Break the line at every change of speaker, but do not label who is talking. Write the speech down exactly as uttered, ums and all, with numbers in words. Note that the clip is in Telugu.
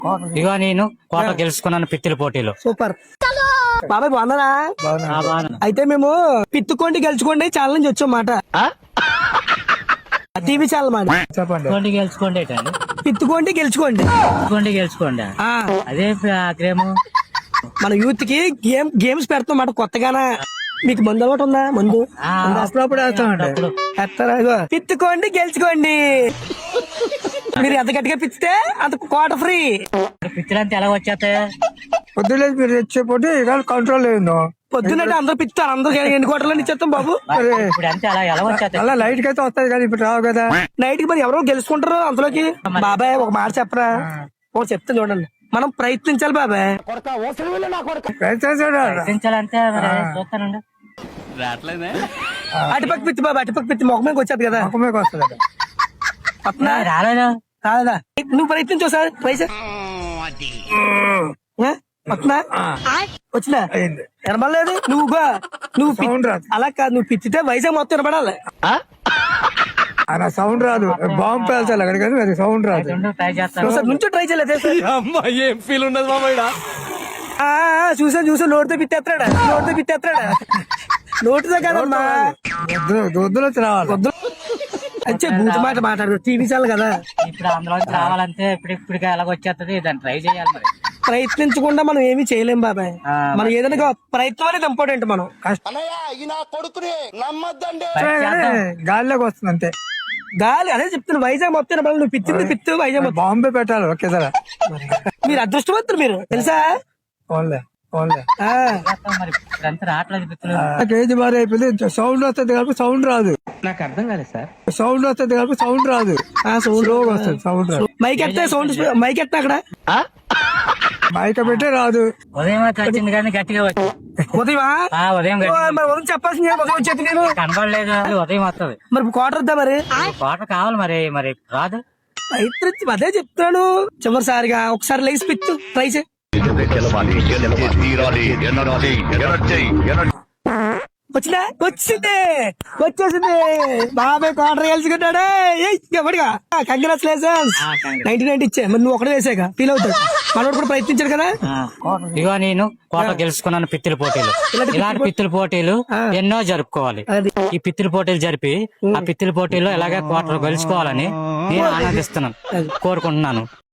ఇగో నేను కోట గెలుచుకున్నాను పిత్తుల పోటీలో.
సూపర్ బాబాయ్ బాగున్నారా? అయితే మేము పిత్తుకోండి గెలుచుకోండి ఛానల్ నుంచి వచ్చాం మాట. టీవీ ఛానల్ మాట.
చెప్పండి. గెలుచుకోండి ఏంటండి?
పిత్తుకోండి గెలుచుకోండి.
పిత్తుకోండి గెలుచుకోండి అదే గేమ్.
మన యూత్ కి గేమ్ గేమ్స్ పెడతాం మాట కొత్తగానా. మీకు మందు అలవాటు ఉందా? మందు అప్పుడప్పుడు వేస్తారా? పిత్తుకోండి గెలుచుకోండి. మీరు ఎంత గట్టిగా పిచ్చితే అంత కోట ఫ్రీ.
పిచ్చిలంతా ఎలా వచ్చేస్తాయి?
పొద్దులేదు మీరు తెచ్చే పోటీ కంట్రోల్ లేదు.
పొద్దున్నట్టు అందరూ పిస్తారు. అందరూ ఎన్ని కోటలో ఇచ్చేస్తాం బాబు.
ఇప్పుడు అంతే అలా ఎలా వచ్చేస్తాయి?
అలా లైట్ కి అయితే వస్తాయి కానీ ఇప్పుడు రావు కదా.
నైట్ కి మరి ఎవరో గెలుచుకుంటారు అందులోకి. బాబాయ్ ఒక మాట చెప్పరా? ఓ చెప్తాను చూడండి. మనం ప్రయత్నించాలి బాబాయ్.
ప్రయత్నించాలంటే చూస్తానండి.
అటుపక్క పిత్తి బాబా, అటుపక్క పిత్తి మొహమేకి వచ్చేది కదా.
ముఖమేకి వస్తుంది.
రాలేదా?
రాలేదా? నువ్వు ప్రయత్నించావు సార్. పైసా వస్తున్నా వచ్చినా వినబడలేదు. నువ్వు బా నువ్వు పి- అలా కాదు, నువ్వు పిచ్చితే వైజాగ్ మొత్తం వినపడాలి.
అలా సౌండ్ రాదు. బాంబు పేల్చాలి అక్కడ కానీ అది సౌండ్ రాదు.
ట్రై చేస్తాను.
నువ్వు సార్ నుంచో ట్రై చేయలేదు.
ఏం ఫీల్ ఉండదు మామయ్య.
చూసాను చూసాను నోటితో పిత్తేస్తాడా? నోటితో పిత్తేస్తాడా? నోటితో కదమ్మా,
దొద్దులో వచ్చి రావాలి.
అంతే బూతు మాట మాట్లాడు. టీవీ ఛానల్ కదా.
ఇప్పుడు అందులో రావాలంటే ఇప్పుడు ఇప్పుడు ఎలాగ వచ్చేస్తుంది. దాన్ని ట్రై చేయాలి మరి.
ప్రయత్నించకుండా మనం ఏమీ చేయలేం బాబాయ్. మనం ఏదైనా ప్రయత్నం అనేది ఇంపార్టెంట్. మనం
గాలిలోకి వస్తుంది అంతే.
గాలి అదే చెప్తున్నా. వైజాగ్ మొత్తం వినపడాలి. నువ్వు పిచ్చింది పిత్తు వైజాగ్ మొత్తం.
బాంబే పెట్టాలి ఒకేసారి.
మీరు అదృష్టవంతులు మీరు తెలుసా?
ఓన్లే ఓన్లే
ఆ,
మరి ఇప్పుడంతా రావట్లేదు పిత్తులు.
కేజీ బారీ అయిపోయింది. సౌండ్ వస్తుంది కాబట్టి సౌండ్ రాదు.
నాకు అర్థం కాలేదు సార్.
సౌండ్ వస్తుంది కాబట్టి సౌండ్ రాదు.
ఆ సౌండ్
స్లోగా వస్తుంది. సౌండ్ రాదు.
మైక్ ఎత్తే సౌండ్ మైక్ ఎత్తా అక్కడ
బయట పెట్టే రాదు.
ఉదయం అయితే వచ్చింది కానీ గట్టిగా వచ్చి
ఉదయమా?
ఆ, ఉదయం
ఓ,
గట్టిగా
మరి ఉదయం చెప్పాల్సింది ఉదయం వచ్చేది నేను.
కనబడలేదు. ఉదయం వస్తుంది.
మరి కోటర్ వద్దా మరి?
కోట కావాలి మరి. మరి రాదు.
ప్రయత్నించి అదే చెప్తాను. చివరిసారిగా ఒకసారి లేచి పిత్తు ట్రై చేయి. వచ్చిందా? వచ్చింది వచ్చేసింది. బాబాయ్ కోటర్ గెలుచుకున్నాడే. ఎవడిగా కంగ్రాచులేషన్స్. నైన్టీ నైన్టీ ఇచ్చే. మరి నువ్వు ఒకటే వేసాక ఫీల్ అవుతాడు. మనోడు కూడా ప్రయత్నించాడు కదా.
ఇగో నేను కోట గెలుచుకున్నాను పిత్తుల పోటీలు. ఇలాంటి పిత్తుల పోటీలు ఎన్నో జరుపుకోవాలి. ఈ పిత్తుల పోటీలు జరిపి ఆ పిత్తుల పోటీలో ఇలాగే కోట గెలుచుకోవాలని నేను ఆనందిస్తున్నాను, కోరుకుంటున్నాను.